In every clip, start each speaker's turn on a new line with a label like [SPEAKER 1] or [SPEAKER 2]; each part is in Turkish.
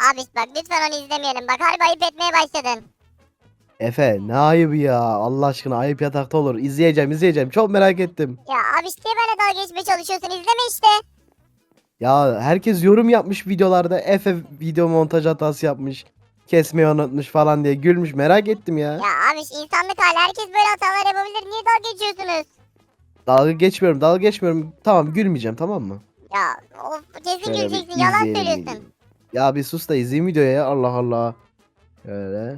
[SPEAKER 1] Abi bak lütfen onu izlemeyelim. Bak harbi ayıp etmeye başladın.
[SPEAKER 2] Efe ne ayıbı ya. Allah aşkına ayıp yatakta olur. İzleyeceğim. Çok merak ettim.
[SPEAKER 1] Ya abi işte böyle dalga geçmeye çalışıyorsun. İzleme işte.
[SPEAKER 2] Ya herkes yorum yapmış videolarda. Efe video montaj hatası yapmış. Kesmeyi unutmuş falan diye gülmüş. Merak ettim ya.
[SPEAKER 1] Ya abi insanlık hali. Herkes böyle hatalar yapabilir. Niye dalga geçiyorsunuz?
[SPEAKER 2] Dalga geçmiyorum. Tamam gülmeyeceğim, tamam mı?
[SPEAKER 1] Ya of kesin
[SPEAKER 2] Şöyle bir
[SPEAKER 1] güleceksin. Yalan
[SPEAKER 2] izleyelim videoyu.
[SPEAKER 1] söylüyorsun.
[SPEAKER 2] Ya bir sus da izleyeyim videoyu ya. Allah Allah. Şöyle.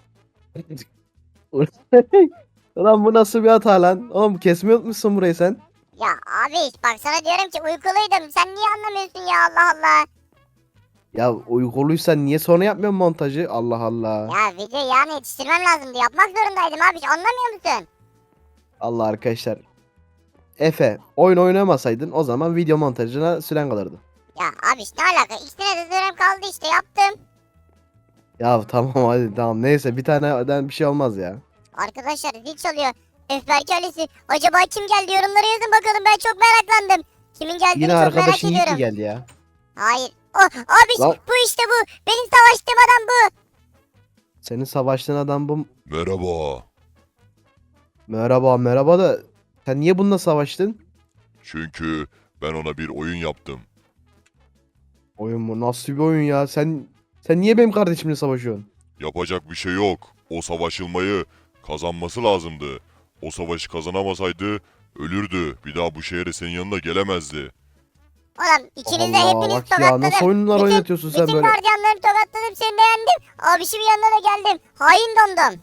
[SPEAKER 2] Ulan bu nasıl bir hata lan? Oğlum kesmeyi unutmuşsun burayı sen.
[SPEAKER 1] Ya abi bak sana diyorum ki uykuluydum. Sen niye anlamıyorsun ya Allah Allah.
[SPEAKER 2] Ya uykuluysan niye sonra yapmıyorsun montajı? Allah Allah.
[SPEAKER 1] Ya video yani yetiştirmem lazımdı. Yapmak zorundaydım abi. Anlamıyor musun?
[SPEAKER 2] Allah arkadaşlar. Efe oyun oynamasaydın o zaman video montajına süren kalırdı.
[SPEAKER 1] Ya abi ne alaka? İkisine de sürem kaldı işte yaptım.
[SPEAKER 2] Ya tamam hadi tamam neyse bir taneden bir şey olmaz ya.
[SPEAKER 1] Arkadaşlar zil çalıyor. Öfberk ailesi. Acaba kim geldi? Yorumlara yazın bakalım. Ben çok meraklandım. Kimin geldiğini
[SPEAKER 2] Yine
[SPEAKER 1] çok merak
[SPEAKER 2] arkadaşın Yiğit mi
[SPEAKER 1] ediyorum.
[SPEAKER 2] geldi ya?
[SPEAKER 1] Hayır. Oh, abi
[SPEAKER 2] Lan
[SPEAKER 1] bu işte bu. Benim savaştığım adam bu.
[SPEAKER 2] senin savaştığın adam bu.
[SPEAKER 3] Merhaba.
[SPEAKER 2] Merhaba da sen niye bununla savaştın?
[SPEAKER 3] Çünkü ben ona bir oyun yaptım.
[SPEAKER 2] Oyun mu? Nasıl bir oyun ya? Sen niye benim kardeşimle savaşıyorsun?
[SPEAKER 3] Yapacak bir şey yok. O savaşılmayı kazanması lazımdı. O savaşı kazanamasaydı ölürdü. Bir daha bu şehre senin yanına gelemezdi.
[SPEAKER 1] Oğlum ikiniz de
[SPEAKER 2] Allah
[SPEAKER 1] hepiniz
[SPEAKER 2] bak ya nasıl
[SPEAKER 1] tokatladım.
[SPEAKER 2] oyunlar
[SPEAKER 1] Bütün,
[SPEAKER 2] oynatıyorsun sen
[SPEAKER 1] bütün
[SPEAKER 2] böyle?
[SPEAKER 1] gardiyanları tokatladım. Seni de yendim. Abişimin yanına da geldim. Hain domdom.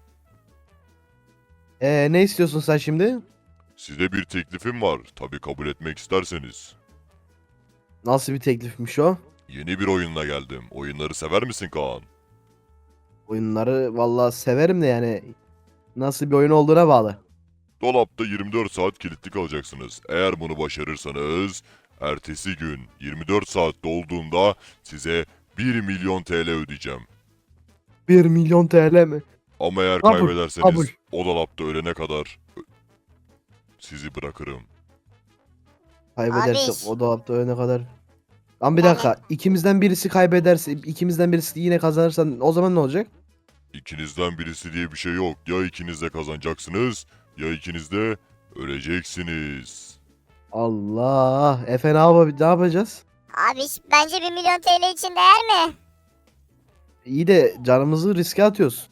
[SPEAKER 2] Ne istiyorsun sen şimdi?
[SPEAKER 3] Size bir teklifim var. Tabii kabul etmek isterseniz.
[SPEAKER 2] Nasıl bir teklifmiş o?
[SPEAKER 3] Yeni bir oyunla geldim. Oyunları sever misin Kaan?
[SPEAKER 2] Oyunları vallahi severim de yani nasıl bir oyun olduğuna bağlı.
[SPEAKER 3] Dolapta 24 saat kilitli kalacaksınız. Eğer bunu başarırsanız ertesi gün 24 saat dolduğunda size 1 milyon TL ödeyeceğim.
[SPEAKER 2] 1 milyon TL mi?
[SPEAKER 3] Ama eğer
[SPEAKER 2] Kabul,
[SPEAKER 3] kaybederseniz
[SPEAKER 2] kabul.
[SPEAKER 3] o dolapta ölene kadar sizi bırakırım.
[SPEAKER 2] Kaybedersek
[SPEAKER 1] Abiş.
[SPEAKER 2] o dolapta ölene kadar. Lan bir
[SPEAKER 1] Yani
[SPEAKER 2] dakika. İkimizden birisi kaybederse, ikimizden birisi yine kazanırsan o zaman ne olacak?
[SPEAKER 3] İkinizden birisi diye bir şey yok. Ya ikiniz de kazanacaksınız ya ikiniz de öleceksiniz.
[SPEAKER 2] Allah. Efe ne yapacağız?
[SPEAKER 1] abiş bence 1 milyon TL için değer mi?
[SPEAKER 2] İyi de canımızı riske atıyoruz.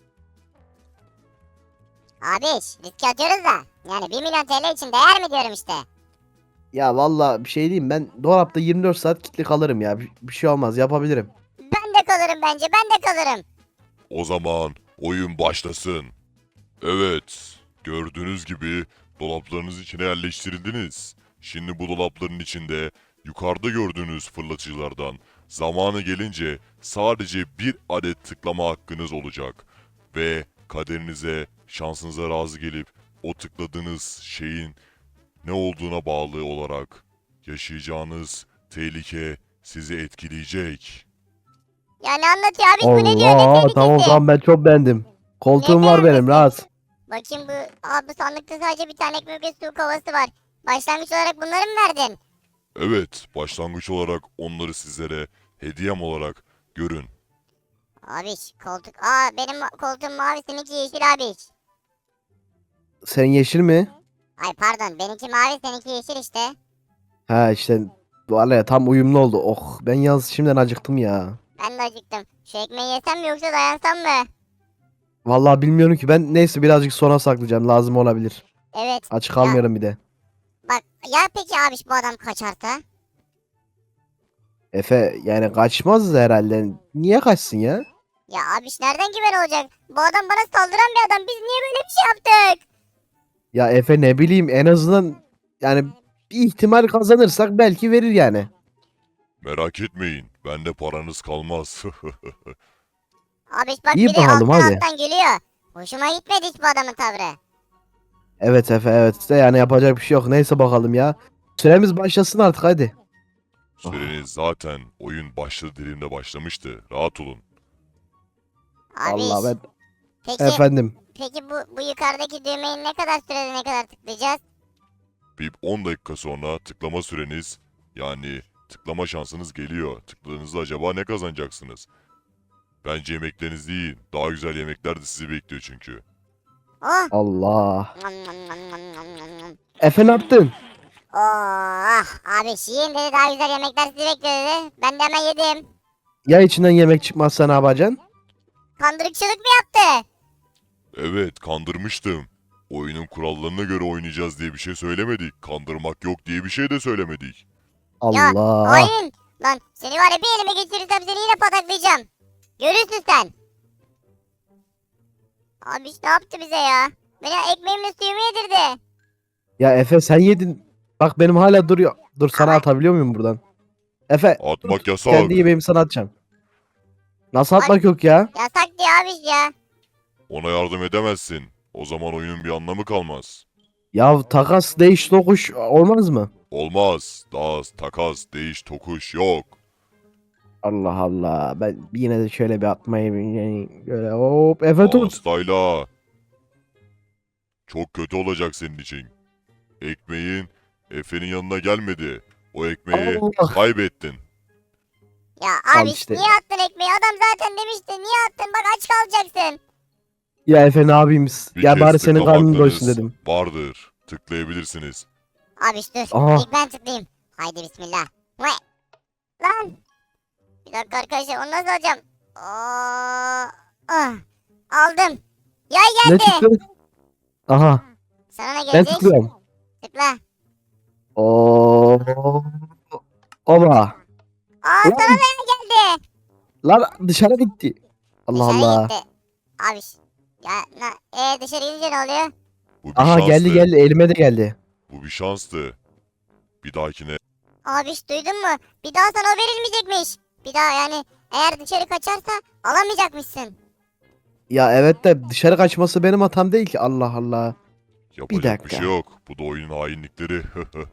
[SPEAKER 1] Abiş riske atıyoruz da. Yani 1 milyon TL için değer mi diyorum işte.
[SPEAKER 2] Ya valla bir şey diyeyim ben dolapta 24 saat kilitli kalırım ya. Bir şey olmaz yapabilirim.
[SPEAKER 1] Ben de kalırım bence. Ben de kalırım.
[SPEAKER 3] O zaman oyun başlasın. Evet, gördüğünüz gibi dolaplarınız içine yerleştirildiniz. Şimdi bu dolapların içinde yukarıda gördüğünüz fırlatıcılardan zamanı gelince sadece bir adet tıklama hakkınız olacak. Ve kaderinize, şansınıza razı gelip o tıkladığınız şeyin ne olduğuna bağlı olarak yaşayacağınız tehlike sizi etkileyecek.
[SPEAKER 1] Ya ne anlatıyor abiş bu ne diyor? Ne
[SPEAKER 2] Allah
[SPEAKER 1] tehlikesi?
[SPEAKER 2] tamam tamam ben çok beğendim. Koltuğum
[SPEAKER 1] Ne
[SPEAKER 2] var benim
[SPEAKER 1] beğenmesi?
[SPEAKER 2] rahat.
[SPEAKER 1] Bakayım bu sandıkta sadece bir tane ekmek ve su kovası var. Başlangıç olarak bunları mı verdin?
[SPEAKER 3] Evet, başlangıç olarak onları sizlere hediyem olarak görün.
[SPEAKER 1] Abiş koltuk. Aa benim koltuğum mavi seninki yeşil abiş.
[SPEAKER 2] Sen yeşil mi?
[SPEAKER 1] Ay pardon benimki mavi seninki yeşil işte.
[SPEAKER 2] Ha işte vallahi tam uyumlu oldu. Oh ben yalnız şimdiden acıktım ya.
[SPEAKER 1] Ben de acıktım. Şu ekmeği yesem mi yoksa dayansam mı?
[SPEAKER 2] Vallahi bilmiyorum ki ben neyse birazcık sona saklayacağım lazım olabilir.
[SPEAKER 1] Evet.
[SPEAKER 2] Aç
[SPEAKER 1] Ya,
[SPEAKER 2] kalmıyorum bir de.
[SPEAKER 1] bak ya peki abiş bu adam kaçarsa?
[SPEAKER 2] Efe yani kaçmaz herhalde. Niye kaçsın ya?
[SPEAKER 1] Ya abiş nereden güven olacak? Bu adam bana saldıran bir adam. Biz niye böyle bir şey yaptık?
[SPEAKER 2] Ya Efe ne bileyim en azından yani bir ihtimal kazanırsak belki verir yani.
[SPEAKER 3] Merak etmeyin, bende paranız kalmaz.
[SPEAKER 1] Abiş bak
[SPEAKER 2] İyi
[SPEAKER 1] bir de
[SPEAKER 2] bakalım,
[SPEAKER 1] alttan
[SPEAKER 2] hadi.
[SPEAKER 1] alttan gülüyor. Hoşuma gitmedi hiç bu adamın tavrı.
[SPEAKER 2] Evet Efe evet de yani yapacak bir şey yok. Neyse bakalım ya. Süremiz başlasın artık hadi.
[SPEAKER 3] Süreniz zaten oyun başladı dediğimde başlamıştı. Rahat olun.
[SPEAKER 2] Allah
[SPEAKER 1] Abiş.
[SPEAKER 2] ben
[SPEAKER 1] Peki
[SPEAKER 2] efendim.
[SPEAKER 1] peki bu yukarıdaki düğmeyi ne kadar sürede ne kadar tıklayacağız?
[SPEAKER 3] Bir 10 dakika sonra tıklama süreniz yani tıklama şansınız geliyor. Tıkladığınızda acaba ne kazanacaksınız? Bence yemekleriniz değil. Daha güzel yemekler de sizi bekliyor çünkü.
[SPEAKER 1] Oh.
[SPEAKER 2] Allah.
[SPEAKER 1] Nom nom nom nom nom nom nom.
[SPEAKER 2] Efe ne yaptın?
[SPEAKER 1] Oh abi yiyin dedi, daha güzel yemekler sizi bekliyor dedi. Ben de hemen yedim.
[SPEAKER 2] Ya içinden yemek çıkmazsa ne yapacaksın?
[SPEAKER 1] Kandırıkçılık mı yaptı?
[SPEAKER 3] Evet, kandırmıştım. Oyunun kurallarına göre oynayacağız diye bir şey söylemedik. Kandırmak yok diye bir şey de söylemedik.
[SPEAKER 2] Allah.
[SPEAKER 1] Hain. Lan seni var ya, bir elime geçirirsem seni yine pataklayacağım. Görürsün sen. Abi ne yaptı bize ya? Beni ekmeğimle suyumu yedirdi.
[SPEAKER 2] Ya Efe sen yedin. Bak benim hala duruyor. Dur sana
[SPEAKER 1] Ama-
[SPEAKER 2] atabiliyor muyum buradan? Efe
[SPEAKER 3] Atmak yasak.
[SPEAKER 2] kendi yemeğimi sana atacağım. Nasıl atmak yok ya?
[SPEAKER 1] Yasak diyor abi ya.
[SPEAKER 3] Ona yardım edemezsin. O zaman oyunun bir anlamı kalmaz.
[SPEAKER 2] Ya takas değiş tokuş olmaz mı?
[SPEAKER 3] Olmaz. Daha takas, değiş, tokuş yok.
[SPEAKER 2] Allah Allah. Ben yine de şöyle bir atmayı böyle hop Efe tut.
[SPEAKER 3] Hastayla. Çok kötü olacak senin için. Ekmeğin Efe'nin yanına gelmedi. O ekmeği
[SPEAKER 2] Allah.
[SPEAKER 3] kaybettin.
[SPEAKER 1] Ya
[SPEAKER 2] Al
[SPEAKER 1] abi
[SPEAKER 2] işte.
[SPEAKER 1] niye attın ekmeği? Adam zaten demişti. Niye attın? Bak aç kalacaksın.
[SPEAKER 2] Ya Efe ne yapayım?
[SPEAKER 3] Bir
[SPEAKER 2] Ya
[SPEAKER 3] kez
[SPEAKER 2] bari senin
[SPEAKER 3] tıklama
[SPEAKER 2] karnın doysun
[SPEAKER 3] hakkınız
[SPEAKER 2] dedim.
[SPEAKER 3] vardır. Tıklayabilirsiniz.
[SPEAKER 1] Abi dur.
[SPEAKER 2] Aha.
[SPEAKER 1] İlk ben tıklayayım. Haydi bismillah. Vay. Lan. Bir dakika arkadaşlar, onu nasıl alacağım? Ah. Aldım. Yay
[SPEAKER 2] Ne
[SPEAKER 1] geldi.
[SPEAKER 2] çıktı? Aha
[SPEAKER 1] Sana ne
[SPEAKER 2] ben
[SPEAKER 1] gelecek?
[SPEAKER 2] tıklıyorum.
[SPEAKER 1] Tıkla.
[SPEAKER 2] Oo. Oba.
[SPEAKER 1] Aa
[SPEAKER 2] Lan.
[SPEAKER 1] sana da yay geldi.
[SPEAKER 2] Lan dışarı gitti. Allah
[SPEAKER 1] Dışarı
[SPEAKER 2] Allah.
[SPEAKER 1] gitti. Abi. Ya dışarı gidince ne oluyor?
[SPEAKER 3] Bu bir
[SPEAKER 2] Aha
[SPEAKER 3] şanstı.
[SPEAKER 2] geldi elime de geldi.
[SPEAKER 3] Bu bir şanstı. Bir dahakine
[SPEAKER 1] Abi duydun mu? Bir daha sana o verilmeyecekmiş. Bir daha yani eğer dışarı kaçarsa alamayacakmışsın.
[SPEAKER 2] Ya evet de dışarı kaçması benim hatam değil ki. Allah Allah.
[SPEAKER 3] yapacak bir
[SPEAKER 2] dakika.
[SPEAKER 3] şey yok. Bu da oyunun hainlikleri.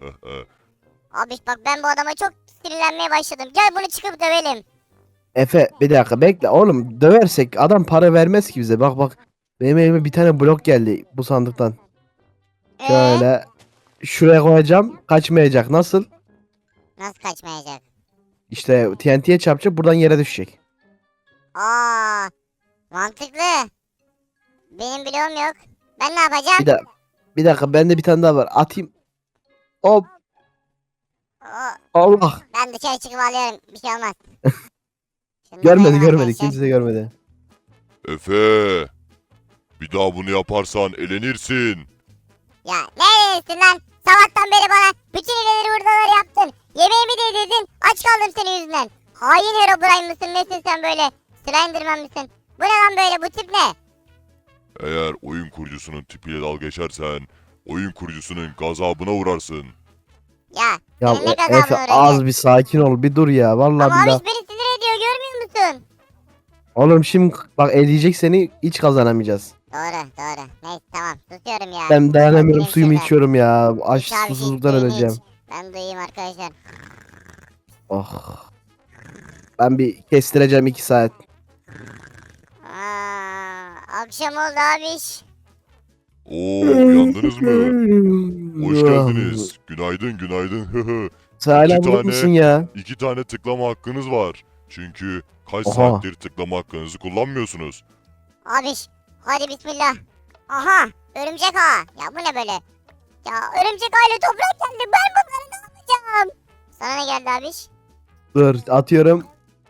[SPEAKER 1] Abi bak ben bu adama çok sinirlenmeye başladım. Gel bunu çıkıp dövelim.
[SPEAKER 2] Efe bir dakika bekle oğlum döversek adam para vermez ki bize. Bak bak benim elime bir tane blok geldi bu sandıktan. Şöyle şuraya koyacağım kaçmayacak nasıl?
[SPEAKER 1] Nasıl kaçmayacak?
[SPEAKER 2] İşte TNT'ye çarpacak buradan yere düşecek.
[SPEAKER 1] Aa, mantıklı. Benim bloğum yok. Ben ne yapacağım?
[SPEAKER 2] Bir dakika bende bir tane daha var atayım. Hop
[SPEAKER 1] Oo,
[SPEAKER 2] Allah.
[SPEAKER 1] ben dışarı çıkıp alıyorum. Bir şey olmaz. Şunu
[SPEAKER 2] Görmedi
[SPEAKER 1] koyalım
[SPEAKER 2] görmedi
[SPEAKER 1] arkadaşlar.
[SPEAKER 2] kimse de görmedi.
[SPEAKER 3] Efe. Bir daha bunu yaparsan elenirsin.
[SPEAKER 1] Ya ne diyorsun lan? Sabahtan beri bana bütün ileri hurdaları yaptın. Yemeğimi de yedirdin. Aç kaldım senin yüzünden. Hain Herobrine mısın? Nesin sen böyle? Slenderman mısın? Bu ne lan böyle? Bu tip ne?
[SPEAKER 3] Eğer oyun kurucusunun tipiyle dalga geçersen oyun kurucusunun gazabına uğrarsın.
[SPEAKER 1] Ya
[SPEAKER 2] Ya
[SPEAKER 1] senin ne gazabın
[SPEAKER 2] Efe
[SPEAKER 1] uğrayacak?
[SPEAKER 2] az bir sakin ol bir dur ya vallahi
[SPEAKER 1] Ama
[SPEAKER 2] billahi.
[SPEAKER 1] abi beni sinir ediyor, görmüyor musun?
[SPEAKER 2] Oğlum şimdi bak eleyecek seni hiç kazanamayacağız.
[SPEAKER 1] Doğru. Neyse tamam, susuyorum ya.
[SPEAKER 2] Ben dayanamıyorum
[SPEAKER 1] Benim
[SPEAKER 2] suyumu
[SPEAKER 1] şurada.
[SPEAKER 2] içiyorum ya. Aç
[SPEAKER 1] İç abi,
[SPEAKER 2] susuzluktan
[SPEAKER 1] suyunu
[SPEAKER 2] öleceğim.
[SPEAKER 1] iç. Ben duyayım arkadaşlar.
[SPEAKER 2] Oh. Ben bir kestireceğim 2 saat.
[SPEAKER 1] Akşam oldu abiş.
[SPEAKER 3] Oo, uyandınız mı? Hoş geldiniz. Günaydın.
[SPEAKER 2] Sen hala
[SPEAKER 3] İki
[SPEAKER 2] burada
[SPEAKER 3] tane-
[SPEAKER 2] mısın ya?
[SPEAKER 3] 2 tane tıklama hakkınız var. Çünkü kaç
[SPEAKER 2] Oha.
[SPEAKER 3] saattir tıklama hakkınızı kullanmıyorsunuz.
[SPEAKER 1] Abiş hadi bismillah. Aha örümcek ağa. Ya bu ne böyle? Ya örümcek ağıyla toprak geldi. Ben bunları ne yapacağım? Sana ne geldi abiş?
[SPEAKER 2] Dur atıyorum.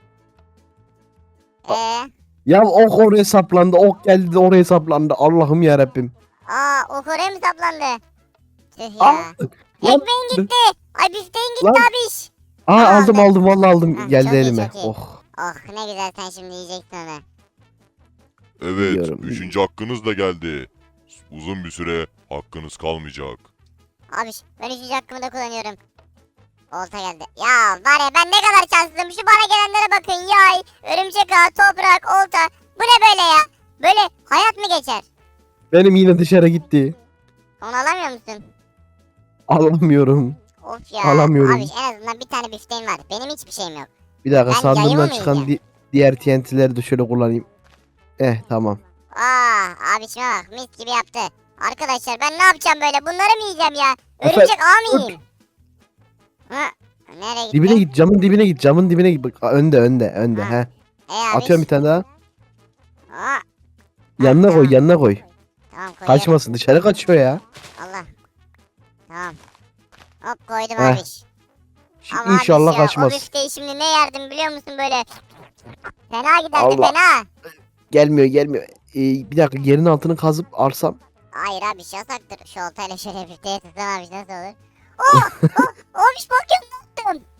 [SPEAKER 2] Ya ok oraya saplandı. Ok geldi de oraya saplandı. Allah'ım ya Rabbim.
[SPEAKER 1] O oraya mı saplandı? Tüh ya.
[SPEAKER 2] Lan,
[SPEAKER 1] Ekmeğin gitti. Ay bifteğin gitti
[SPEAKER 2] Lan.
[SPEAKER 1] abiş.
[SPEAKER 2] aldım
[SPEAKER 1] aldım.
[SPEAKER 2] vallahi aldım.
[SPEAKER 1] Heh,
[SPEAKER 2] Geldi
[SPEAKER 1] çok iyi,
[SPEAKER 2] elime.
[SPEAKER 1] çok iyi.
[SPEAKER 2] Oh.
[SPEAKER 1] Oh ne güzel, sen şimdi yiyeceksin onu.
[SPEAKER 3] Evet,
[SPEAKER 2] Biliyorum.
[SPEAKER 3] 3. hakkınız da geldi. Uzun bir süre hakkınız kalmayacak.
[SPEAKER 1] Abiş ben 3. hakkımı da kullanıyorum. Olta geldi. Ya var ya, ben ne kadar şanslıyım. Şu bana gelenlere bakın. Yay, örümcek ağı, toprak, olta. Bu ne böyle ya? Böyle hayat mı geçer?
[SPEAKER 2] Benim yine dışarı gitti.
[SPEAKER 1] Onu alamıyor musun?
[SPEAKER 2] Alamıyorum.
[SPEAKER 1] Of ya.
[SPEAKER 2] Alamıyorum.
[SPEAKER 1] Abiş en azından bir tane bifteğim var. Benim hiçbir şeyim yok.
[SPEAKER 2] Bir dakika
[SPEAKER 1] Ben
[SPEAKER 2] sandığımdan
[SPEAKER 1] yayımı mı
[SPEAKER 2] çıkan
[SPEAKER 1] yiyeceğim?
[SPEAKER 2] diğer TNT'leri de şöyle kullanayım. Tamam.
[SPEAKER 1] Abişime bak, mis gibi yaptı. Arkadaşlar ben ne yapacağım böyle? Bunları mı yiyeceğim ya?
[SPEAKER 2] Efe,
[SPEAKER 1] Örümcek ağı mı yiyeyim? Nereye gitti?
[SPEAKER 2] Dibine git, camın dibine git, camın dibine git. Bak, önde
[SPEAKER 1] Ha.
[SPEAKER 2] he.
[SPEAKER 1] Abi.
[SPEAKER 2] Atıyorum bir tane daha.
[SPEAKER 1] Aa,
[SPEAKER 2] Yanına koy,
[SPEAKER 1] tamam.
[SPEAKER 2] yanına koy.
[SPEAKER 1] Tamam koyuyorum.
[SPEAKER 2] Kaçmasın, dışarı kaçıyor ya.
[SPEAKER 1] Allah. Tamam. Hop koydum
[SPEAKER 2] Heh.
[SPEAKER 1] abi.
[SPEAKER 2] Şimdi
[SPEAKER 1] Ama
[SPEAKER 2] inşallah
[SPEAKER 1] abi ya, o
[SPEAKER 2] kaçmaz.
[SPEAKER 1] bifteyi şimdi ne yerdim biliyor musun böyle? Fena giderdi
[SPEAKER 2] Allah.
[SPEAKER 1] fena.
[SPEAKER 2] Gelmiyor. Bir dakika, yerin altını kazıp arsam.
[SPEAKER 1] Hayır abi yasaktır. Şu oltayla şöyle bifteye tutsan abi nasıl olur? Oh! Oh! Olmuş bak ya ne yaptım?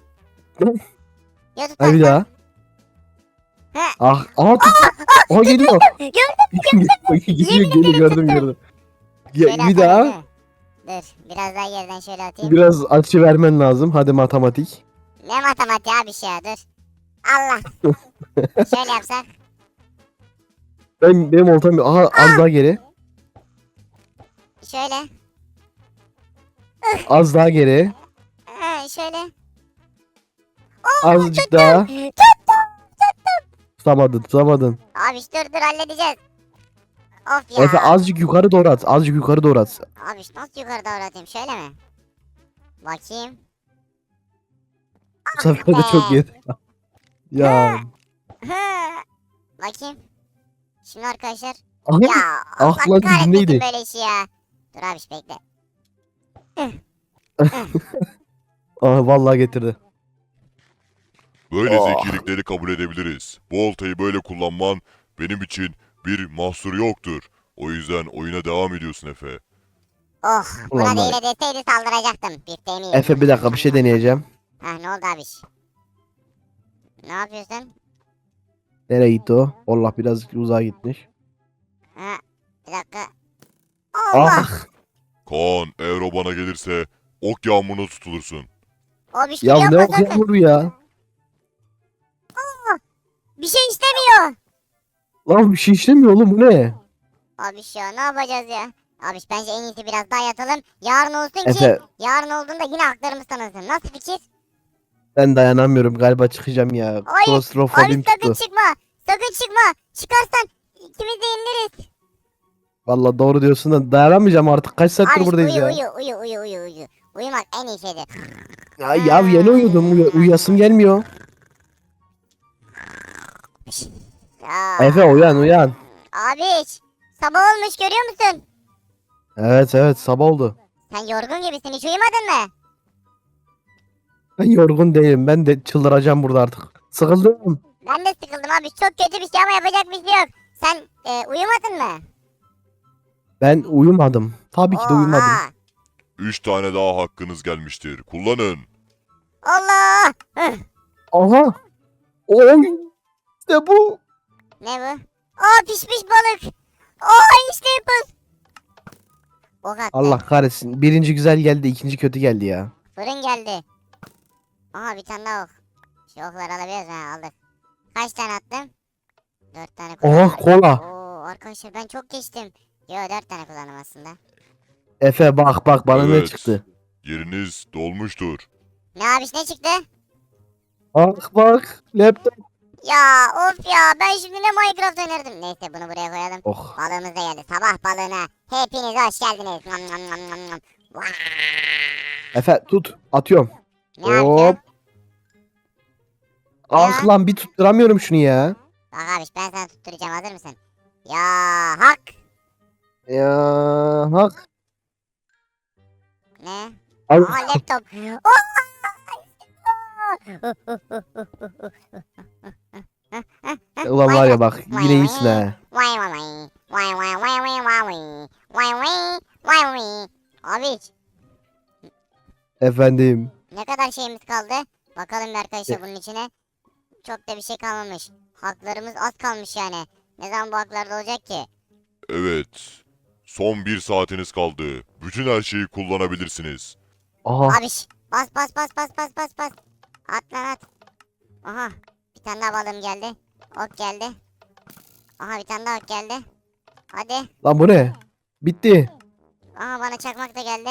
[SPEAKER 1] Ya tut
[SPEAKER 2] Ha bir daha.
[SPEAKER 1] He.
[SPEAKER 2] Ah, aha tut. Aha geliyor. Geliyor, gördüm.
[SPEAKER 1] Şöyle
[SPEAKER 2] Bir daha.
[SPEAKER 1] atalım, dur biraz daha geriden şöyle atayım.
[SPEAKER 2] Biraz açı vermen lazım. Hadi matematik.
[SPEAKER 1] Ne matematiği abi şey ya dur. Allah. Şöyle yapsak.
[SPEAKER 2] Benim oltam. Aha az daha geri.
[SPEAKER 1] Şöyle.
[SPEAKER 2] Az daha geri.
[SPEAKER 1] Şöyle.
[SPEAKER 2] Azıcık daha. Tutamadın.
[SPEAKER 1] Abi dur halledeceğiz. Of ya.
[SPEAKER 2] Efe azıcık yukarı doğru at. Azıcık yukarı doğru at.
[SPEAKER 1] Abi nasıl yukarı doğru atayım şöyle mi? Bakayım.
[SPEAKER 2] Bu sefer de çok yedi. Ya.
[SPEAKER 1] Bakayım. Şimdi arkadaşlar.
[SPEAKER 2] Aha.
[SPEAKER 1] Ya Allah
[SPEAKER 2] Ah lan,
[SPEAKER 1] kahretmesin
[SPEAKER 2] dibindeydi.
[SPEAKER 1] böyle işi ya. Dur abi bekle.
[SPEAKER 2] Aha vallahi getirdi.
[SPEAKER 3] Böyle
[SPEAKER 2] Oh.
[SPEAKER 3] zekilikleri kabul edebiliriz. Bu oltayı böyle kullanman benim için bir mahsur yoktur. O yüzden oyuna devam ediyorsun Efe.
[SPEAKER 1] Oh buna
[SPEAKER 2] Ulan
[SPEAKER 1] değil
[SPEAKER 2] var ya.
[SPEAKER 1] deseydi saldıracaktım. Bifteğimi yedim.
[SPEAKER 2] Efe bir dakika, bir şey deneyeceğim.
[SPEAKER 1] Heh ne oldu abi? Ne yapıyorsun?
[SPEAKER 2] Nereye gitti o? Allah, biraz uzağa gitmiş.
[SPEAKER 1] Ha, bir dakika. Allah!
[SPEAKER 2] Ah.
[SPEAKER 3] Kaan eğer o bana gelirse ok yağmuruna tutulursun.
[SPEAKER 1] O bir şey
[SPEAKER 2] Ya
[SPEAKER 1] yapma
[SPEAKER 2] ne
[SPEAKER 1] sakın.
[SPEAKER 2] okuyor ya?
[SPEAKER 1] Bir şey istemiyor.
[SPEAKER 2] Lan bir şey işlemiyor oğlum, bu ne?
[SPEAKER 1] Abi ya ne yapacağız ya? Abi bence en iyisi biraz daha yatalım. Yarın olsun ki
[SPEAKER 2] Efe
[SPEAKER 1] yarın olduğunda yine haklarımız tanınsın. Nasıl fikir?
[SPEAKER 2] ben dayanamıyorum galiba, çıkacağım ya.
[SPEAKER 1] Hayır. Abi
[SPEAKER 2] Klostrofobim
[SPEAKER 1] sakın
[SPEAKER 2] tuttu.
[SPEAKER 1] çıkma. Sakın çıkma. Çıkarsan ikimiz de yeniliriz.
[SPEAKER 2] Vallahi doğru diyorsun da dayanamayacağım artık. Kaç saattir
[SPEAKER 1] Abi
[SPEAKER 2] buradayız
[SPEAKER 1] uyu,
[SPEAKER 2] ya.
[SPEAKER 1] uyu. Uyumak en iyi şeydir.
[SPEAKER 2] Ya yeni uyudum. Uyuyasım gelmiyor.
[SPEAKER 1] Ya.
[SPEAKER 2] Efe uyan.
[SPEAKER 1] Abi sabah olmuş görüyor musun?
[SPEAKER 2] Evet sabah oldu.
[SPEAKER 1] Sen yorgun gibisin hiç uyumadın mı?
[SPEAKER 2] Ben yorgun değilim. Ben de çıldıracağım burada artık. Sıkıldım.
[SPEAKER 1] Ben de sıkıldım abi çok kötü bir şey ama yapacak bir şey yok. Sen uyumadın mı?
[SPEAKER 2] Ben uyumadım. Tabii ki de uyumadım.
[SPEAKER 1] Oha.
[SPEAKER 3] 3 tane daha hakkınız gelmiştir. Kullanın.
[SPEAKER 1] Allah.
[SPEAKER 2] Aha. Oy. İşte bu.
[SPEAKER 1] Ne bu? Aa pişmiş balık. Aa işte yapız. Ok attı.
[SPEAKER 2] Allah kahretsin. Birinci güzel geldi, ikinci kötü geldi ya.
[SPEAKER 1] Fırın geldi. Aha bir tane daha ok. Şu okları alabiliyoruz ha aldık. Kaç tane attım? 4 tane kullandım.
[SPEAKER 2] Oh kola.
[SPEAKER 1] Oo arkadaşlar ben çok geçtim. Yo 4 tane kullandım aslında.
[SPEAKER 2] Efe bak bana ne
[SPEAKER 3] Evet.
[SPEAKER 2] çıktı.
[SPEAKER 3] Yeriniz dolmuştur.
[SPEAKER 1] Ne abi ne çıktı?
[SPEAKER 2] Bak laptop.
[SPEAKER 1] Ya of ya ben şimdi ne Minecraft oynardım. Neyse bunu buraya koyalım.
[SPEAKER 2] Oh.
[SPEAKER 1] Balığımız da geldi. Sabah balığına hepiniz hoş geldiniz. Nom. Vaa!
[SPEAKER 2] Efe tut. Atıyorum.
[SPEAKER 1] Ne yapıyorsun?
[SPEAKER 2] Hop. Ah lan, bir tutturamıyorum şunu ya.
[SPEAKER 1] Bak abi ben sana tutturacağım hazır mısın? Ya hak.
[SPEAKER 2] Ya hak.
[SPEAKER 1] Ne?
[SPEAKER 2] Al.
[SPEAKER 1] Aa laptop. Oh!
[SPEAKER 2] Ulan var ya bak, yine iyisin ha.
[SPEAKER 1] Abi
[SPEAKER 2] Efendim.
[SPEAKER 1] ne kadar şeyimiz kaldı? Bakalım bir arkadaşlar bunun içine. Çok da bir şey kalmamış. Haklarımız az kalmış yani. Ne zaman bu haklarda olacak ki?
[SPEAKER 3] Evet. Son 1 saatiniz kaldı. Bütün her şeyi kullanabilirsiniz.
[SPEAKER 2] Aha.
[SPEAKER 1] Abiş bas. At lan at. Aha bir tane daha balığım geldi. Ok geldi. Aha bir tane daha ok geldi. Hadi.
[SPEAKER 2] Lan bu ne? Bitti.
[SPEAKER 1] Aha bana çakmak da geldi.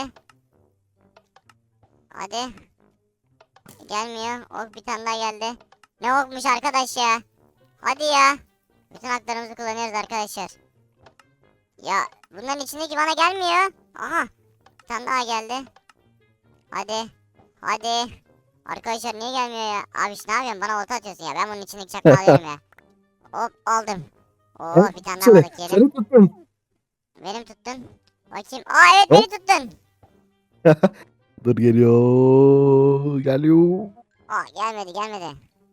[SPEAKER 1] Hadi. Gelmiyor. Ok bir tane daha geldi. Ne okmuş arkadaş ya. Hadi ya. Bütün haklarımızı kullanıyoruz arkadaşlar. Ya bunların içindeki bana gelmiyor. Aha. Bir tane daha geldi. Hadi. Arkadaşlar niye gelmiyor ya? Abi ne yapıyorsun? Bana olta atıyorsun ya. Ben bunun içindeki çakmağı alıyorum ya. Hop aldım. Oo bir tane daha
[SPEAKER 2] Seni,
[SPEAKER 1] balık yedim.
[SPEAKER 2] seni tuttum.
[SPEAKER 1] Benim tuttun. Bakayım. Aa evet beni tuttun.
[SPEAKER 2] Dur geliyor. Geliyor.
[SPEAKER 1] Aa gelmedi.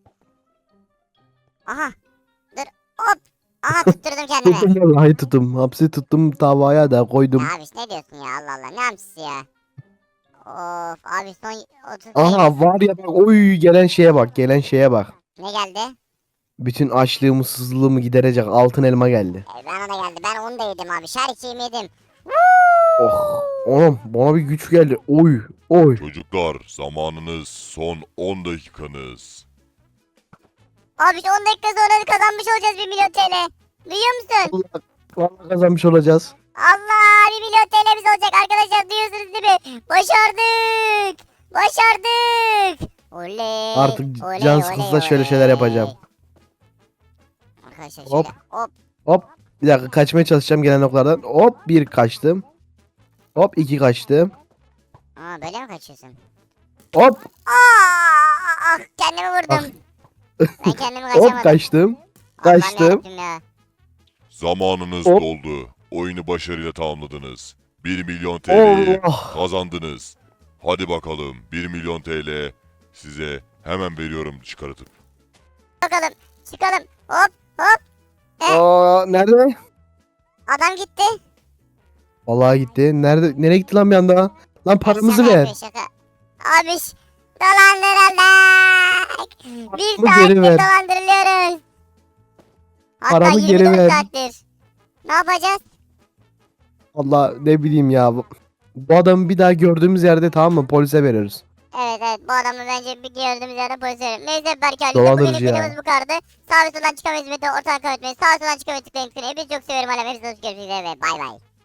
[SPEAKER 1] Aha. Dur. Hop. Aha tutturdum kendime.
[SPEAKER 2] Tuttum vallahi tuttum. Hapsi tuttum tavaya da koydum.
[SPEAKER 1] Ya abi ne diyorsun ya Allah Allah. Ne hamsisi ya. Of abi son 30
[SPEAKER 2] Aha var ya bak oy gelen şeye bak gelen şeye bak.
[SPEAKER 1] Ne geldi?
[SPEAKER 2] Bütün açlığımı sızlığımı giderecek altın elma geldi.
[SPEAKER 1] Bana da geldi. Ben onu da yedim abi. Şarkıyı yedim.
[SPEAKER 2] Oh oğlum bana bir güç geldi. Oy oy.
[SPEAKER 3] Çocuklar zamanınız son 10 dakikanız.
[SPEAKER 1] Abi 10 dakika sonra kazanmış olacağız 1 milyon TL. Duyuyor musun?
[SPEAKER 2] Vallahi kazanmış olacağız.
[SPEAKER 1] Allah 1 milyon TL'miz olacak arkadaşlar duyuyorsunuz değil mi? Başardık. Başardık. Oley.
[SPEAKER 2] Artık
[SPEAKER 1] oley,
[SPEAKER 2] can
[SPEAKER 1] oley,
[SPEAKER 2] sıkıntıda şöyle şeyler
[SPEAKER 1] oley.
[SPEAKER 2] yapacağım.
[SPEAKER 1] Arkadaşlar
[SPEAKER 2] Hop.
[SPEAKER 1] şöyle hop.
[SPEAKER 2] Hop bir dakika kaçmaya çalışacağım gelen oklardan. Hop bir kaçtım. Hop iki kaçtım.
[SPEAKER 1] Aa böyle mi kaçıyorsun?
[SPEAKER 2] Hop
[SPEAKER 1] Aa, kendimi vurdum. Ben kendimi kaçamadım.
[SPEAKER 2] hop kaçtım.
[SPEAKER 1] Allah'ım
[SPEAKER 2] kaçtım.
[SPEAKER 1] yarabbim ya.
[SPEAKER 3] Zamanınız
[SPEAKER 2] Hop.
[SPEAKER 3] doldu. Oyunu başarıyla tamamladınız. 1 milyon TL'yi
[SPEAKER 2] Allah.
[SPEAKER 3] kazandınız. Hadi bakalım 1 milyon TL size hemen veriyorum çıkartıp.
[SPEAKER 1] Bakalım çıkalım. Hop hop.
[SPEAKER 2] Aa, nerede?
[SPEAKER 1] Adam gitti.
[SPEAKER 2] Vallahi gitti. Nereye gitti lan bir anda? Lan paramızı
[SPEAKER 1] Şaka
[SPEAKER 2] ver.
[SPEAKER 1] yapıyor, şaka. Abiş dolandırıldık. Bir
[SPEAKER 2] Paramı geri
[SPEAKER 1] saattir
[SPEAKER 2] ver.
[SPEAKER 1] dolandırılıyoruz. Hatta
[SPEAKER 2] Paramı geri
[SPEAKER 1] 24
[SPEAKER 2] ver.
[SPEAKER 1] saattir. Ne yapacağız?
[SPEAKER 2] Allah ne bileyim ya. Bu adamı bir daha gördüğümüz yerde tamam mı polise veriyoruz.
[SPEAKER 1] Evet bu adamı bence bir gördüğümüz yerde polis verelim. Neyse Berke Ali
[SPEAKER 2] Dolandırıcı
[SPEAKER 1] bugün
[SPEAKER 2] ya.
[SPEAKER 1] videomuz bu kadardı. Sağ ve soldan çıkan hizmeti ortadan kaybetmeyin. Sağ ve soldan çıkan hizmeti tıklayın. Hepinizi çok seviyorum. Hepinizi hoş görüşmek üzere ve bay bay.